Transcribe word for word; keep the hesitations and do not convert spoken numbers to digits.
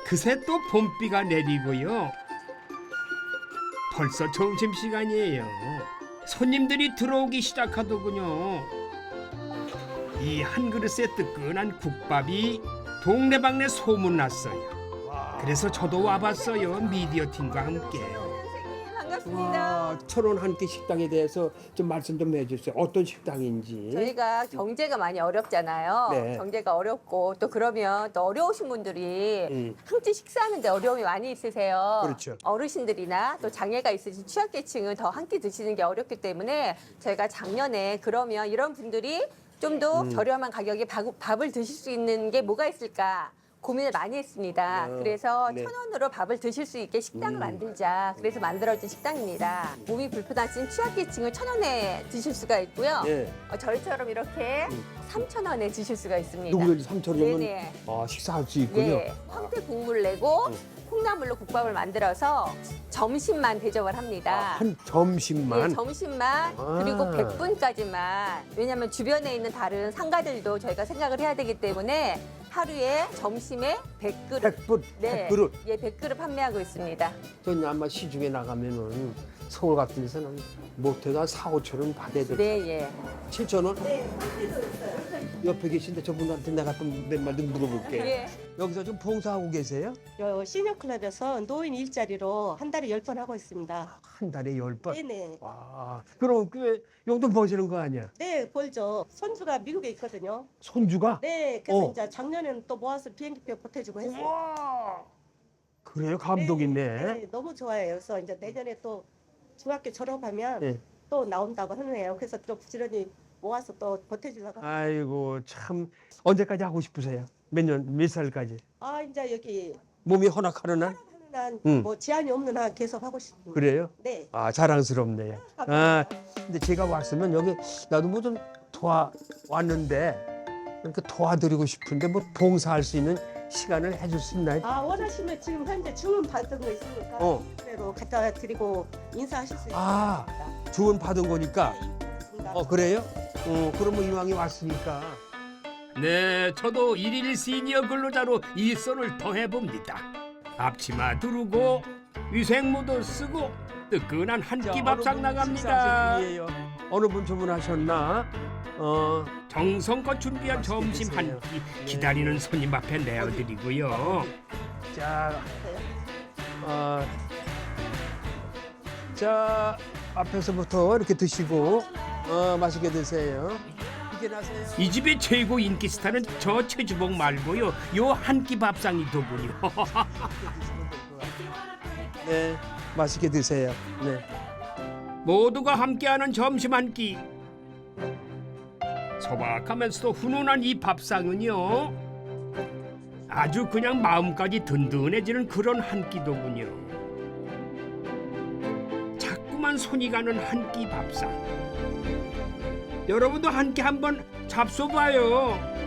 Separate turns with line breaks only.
그새 또 봄비가 내리고요. 벌써 점심시간이에요. 손님들이 들어오기 시작하더군요. 이 한 그릇에 뜨끈한 국밥이 동네방네 소문났어요. 그래서 저도 와봤어요. 미디어 팀과 함께.
반갑습니다.
와, 천원 한 끼 식당에 대해서 좀 말씀 좀 해주세요. 어떤 식당인지.
저희가 경제가 많이 어렵잖아요.
네.
경제가 어렵고 또 그러면 또 어려우신 분들이
음.
한 끼 식사하는데 어려움이 많이 있으세요.
그렇죠.
어르신들이나 또 장애가 있으신 취약계층은 더 한 끼 드시는 게 어렵기 때문에 저희가 작년에 그러면 이런 분들이 좀 더
음.
저렴한 가격에 밥- 밥을 드실 수 있는 게 뭐가 있을까 고민을 많이 했습니다.
어,
그래서
네.
천 원으로 밥을 드실 수 있게 식당을
음.
만들자. 그래서 만들어진 식당입니다. 몸이 불편하신 취약계층을 천 원에 드실 수가 있고요.
예.
어, 저희처럼 이렇게 삼천 원에 드실 수가 있습니다.
누구든지 삼천 원이면
네네.
아, 식사할 수 있군요.
예, 황태 국물 내고
음.
콩나물로 국밥을 만들어서 점심만 대접을 합니다.
한 점심만.
예, 점심만
아.
그리고 백 분까지만. 왜냐하면 주변에 있는 다른 상가들도 저희가 생각을 해야 되기 때문에 하루에 점심에 백 그릇.
백 분, 백 그릇.
예, 백 그릇 판매하고 있습니다.
저는 아마 시중에 나가면은 서울 같은 데서는 못해도 한 사, 오천 원 받아야 돼.
네, 예.
칠천 원? 네, 옆에 계신데 저분한테 내가 또 몇 마디 물어볼게요.
예.
여기서 좀 봉사하고 계세요?
요 시니어클럽에서 노인 일자리로 한 달에 열 번 하고 있습니다.
한 달에 열 번?
네네.
와, 그럼 꽤 용돈 버시는 거 아니야?
네, 벌죠. 손주가 미국에 있거든요.
손주가?
네, 그래서
어.
이제 작년에는 또 모아서 비행기표 보태주고 했어요.
와, 그래요? 감동 있네.
네, 너무 좋아요. 그래서 이제 내년에 또 중학교 졸업하면
네.
또 나온다고 하네요. 그래서 또 부지런히 모아서 또 보태주려고. 합니다.
아이고, 참. 언제까지 하고 싶으세요? 몇 년, 몇 살까지?
아, 이제 여기
몸이 허락하는 한?
하는
음.
한뭐 제한이 없는 한 계속 하고 싶습니다.
그래요?
네.
아, 자랑스럽네요. 아, 근데 제가 왔으면 여기 나도 뭐 좀 도와 왔는데 이렇게 도와드리고 싶은데 뭐 봉사할 수 있는 시간을 해줄 수 있나요?
아, 원하시면 지금 현재 주문 받은 거 있으니까
어.
그대로 갖다 드리고 인사하실 수
아.
있습니다.
주문 받은 거니까.
있습니다.
어, 그래요? 어, 그러면 이왕이 왔으니까.
네, 저도 일일 시니어 근로자로 일선을 더해봅니다. 앞치마 두르고 위생모도 쓰고 뜨끈한 한 끼 밥상 나갑니다.
식사하실 분이에요? 어느 분 주문하셨나? 어,
정성껏 준비한
맛있게
점심
드세요.
한 끼
네.
기다리는 손님 앞에 내어드리고요.
자, 어, 자 앞에서부터 이렇게 드시고 어, 맛있게 드세요. 이렇게 나세요.
이 집의 최고 인기 스타는 저 최주봉 말고요. 요 한 끼 밥상이더군요.
네, 맛있게 드세요. 네.
모두가 함께하는 점심 한 끼. 소박하면서도 훈훈한 이 밥상은요. 아주 그냥 마음까지 든든해지는 그런 한 끼더군요. 자꾸만 손이 가는 한 끼 밥상. 여러분도 한 끼 한번 잡숴봐요.